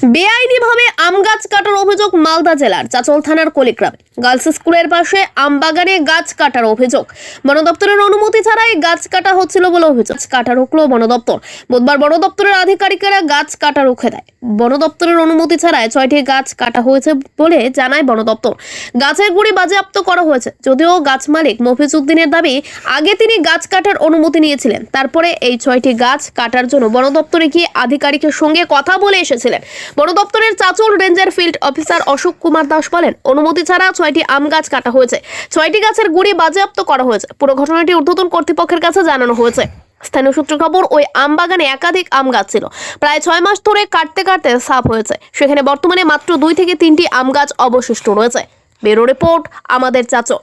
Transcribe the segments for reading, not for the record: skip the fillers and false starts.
বেআইনিভাবে আম গাছ কাটার অভিযোগ মালদা জেলার চাচল থানার কলিগ্রামে। গার্লস স্কুলের পাশে আম বাগানে গাছ কাটার অভিযোগ। বন দপ্তরের অনুমতি ছাড়াই গাছ কাটা হচ্ছিল বলে অভিযোগ। কাটা রুখলো বন দপ্তর। বুধবার বন দপ্তরের আধিকারিকেরা গাছ কাটা রুখে দেয়। বন দপ্তরের অনুমতি ছাড়াই 6টি গাছ কাটা হয়েছে বলে জানায় বন দপ্তর। গাছের গুড়ি বাজেয়াপ্ত করা হয়েছে। যদিও গাছ মালিক মফিজউদ্দিনের দাবি, আগে তিনি গাছ কাটার অনুমতি নিয়েছিলেন, তারপরে এই 6টি গাছ কাটার জন্য বন দপ্তরে গিয়ে আধিকারিকের সঙ্গে কথা বলে এসেছিলেন। বন দপ্তরের Chachal ranger field officer Ashok Kumar Das বলেন, অনুমতি ছাড়া 6টি আম গাছ কাটা হয়েছে। 6টি গাছের গুড়ি বাজেয়াপ্ত করা হয়েছে। পুরো ঘটনাটি ঊর্ধ্বতন কর্তৃপক্ষের কাছে জানানো হয়েছে। স্থানীয় সূত্র খবর, ওই আম বাগানে একাধিক আম গাছ ছিল। প্রায় 6 মাস ধরে কাটতে কাটতে সাফ হয়েছে। সেখানে বর্তমানে মাত্র 2 থেকে 3টি আম গাছ অবশিষ্ট রয়েছে। ব্যুরো রিপোর্ট, আমাদের চাচল।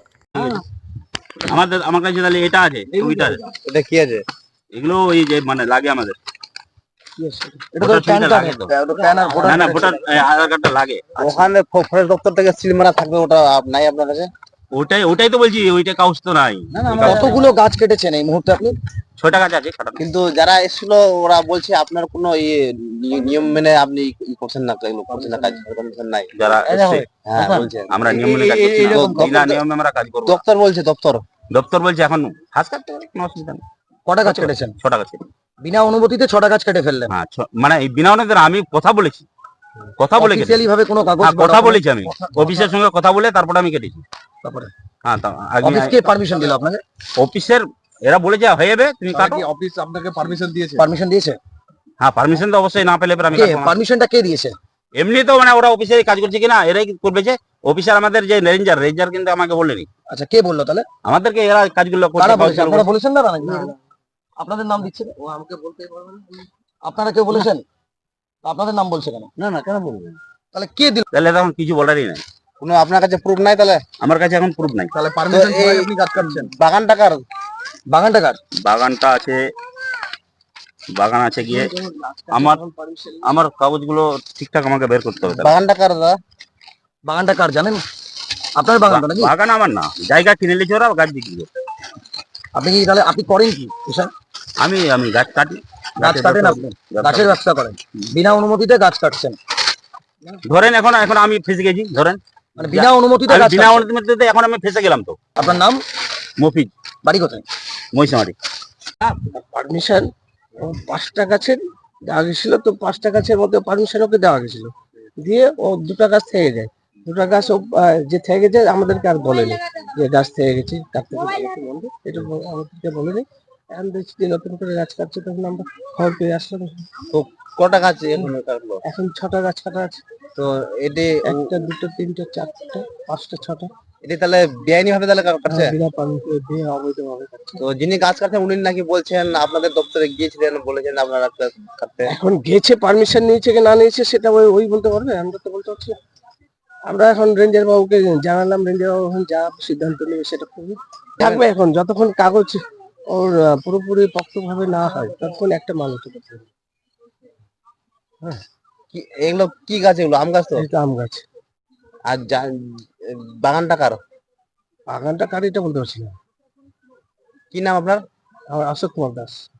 আমার কাছে তাহলে এটা আছে, ওইটা আছে। এটা কি আছে? এগুলো ওই যে মানে লাগে আমাদের। এটা তো প্যান কার্ড, ওটা প্যান আর ভোটার। না না, ভোটার আধার কার্ডটা লাগে। ওখানে ফরেস্ট দপ্তর থেকে সিল মারা থাকবে, ওটা নাই আপনার কাছে? ওটাই তো বলছি, ওইটা কাগজ তো নাই। কতগুলো গাছ কেটেছেন এই মুহূর্তে আপনি? 6টা গাছ আছে। কিন্তু যারা এসেছিল ওরা বলছে আপনার কোনো নিয়ম মেনে আপনি করছেন না, এগুলো করছেন না, কাজ করছেন নাই। যারা এসছে, হ্যাঁ বলছেন আমরা নিয়ম মেনে কাজ করছি না। বিনা নিয়মে আমরা কাজ করব। দপ্তর বলছে, দপ্তর বলছে এখন ফাঁস কাটতে পারে, কোনো অসুবিধা নেই। কটা গাছ কেটেছেন? 6টা গাছ। বিনা অনুমতিতে 6টা গাছ কেটে ফেললেন? হ্যাঁ, মানে এই বিনা অনুমতিতে আমি কথা বলেছি, অফিশিয়ালি ভাবে কোনো কাগজ? কথা বলেছি আমি অফিসের সঙ্গে কথা বলে তারপর আমি কেটেছি। তারপরে হ্যাঁ, অফিস কে পারমিশন দিল আপনাকে? অফিসের এরা বলেছে হয়ে যাবে, তুমি কাটো। অফিস আপনাকে পারমিশন দিয়েছে? পারমিশন দিয়েছে? হ্যাঁ, পারমিশন তো অবশ্যই না পেলে আমি পারমিশনটা কে দিয়েছে? এমনি তো মানে ওরা অফিসে কাজ করছে কিনা এরাই করবে। যে অফিসার আমাদের যে রেঞ্জার কিন্তু আমাকে বলেনি। আচ্ছা, কে বললো তাহলে আমাদেরকে? এরা কাজগুলো আপনারা বলেছেন না? আপনাদের নাম দিচ্ছে, ও আমাকে বলতে পারবেন। আপনারা কেউ বলেছেন? আপনাদের নাম বলছে কেন? না না, কেন বলবেন? তাহলে কে দিল? তাহলে তখন কিছু বলারই নাই। কোনো আপনার কাছে প্রুফ নাই? তাহলে আমার কাছে এখন প্রুফ নাই। তাহলে পারমিশন ছাড়াই আপনি কাজ করছেন? বাগানটা কার? বাগানটা আছে, বাগান আছে গিয়ে আমার কাগজগুলো ঠিকঠাক আমাকে বের করতে হবে। বাগানটা কার দাদা? বাগানটা কার জানেন? আপনার বাগান নাকি? বাগান আমার না, জায়গা কিনে নিয়েছে ওরা, গাছ বিক্রি করছে। আপনি কি তাহলে আপনি করেন কি? আমি গাছ কাটি। গাছ কাটেন আপনি? গাছের ব্যবসা করেন, বিনা অনুমতিতে গাছ কাটছেন? ধরেন এখন আমি ফেসে গেছি, ধরেন মানে বিনা অনুমতিতে বিনা অনুমতিতে এখন আমি ফেসে গেলাম। তো আপনার নাম? মফিজ। বাড়ি কোথায়? মহিষামারি। পারমিশন 5টা গাছের দেওয়া গেছিল, তো 5টা গাছের মধ্যে পারমিশন ওকে দেওয়া গেছিল, দিয়ে ও 2টা গাছ থেকে যায়। 2টা গাছ ও যে থেকে গেছে আমাদেরকে আর বলেনি যে গাছ থেকে গেছে, কাটতে বন্ধ, এটা আমাদেরকে বলেনি। এখন দেখছি যে নতুন করে গাছ কাটছে, তখন আমরা খবর পেয়ে আসলাম। তো কটা গাছ এখন 6টা গাছ কাটা আছে। তো এটি 1টা 2টা 3টা 4টা 5টা 6টা। এটা তাহলে বেআইনি ভাবে তাহলে কাটছে? বিনা পারমিশনে, অবৈধভাবে কাটছে। তো যিনি গাছ কাটছেন উনি নাকি বলছেন আপনাদের দপ্তরে গিয়েছিলেন, বলেছেন আপনারা কাটতে। এখন গেছে, পারমিশন নিয়েছে কি না নিয়েছে সেটা ওই বলতে পারবে, আমরা তো বলতে পারছি না। আমরা এখন রেঞ্জার বাবুকে জানালাম, রেঞ্জার বাবু এখন যা সিদ্ধান্ত নেবে সেটা করবে, থাকবে। এখন যতক্ষণ কাগজ ওর পুরোপুরি পক্তভাবে না হয় ততক্ষণ একটা মানুষ হতে পারবে। হ্যাঁ, এগুলো কি গাছ? এগুলো আম গাছ? তো এটা আম গাছ। আর বাগানটা কার? বাগানটা কার এটা বলতে পারছি না। কি নাম আপনার? আমার অশোক কুমার দাস।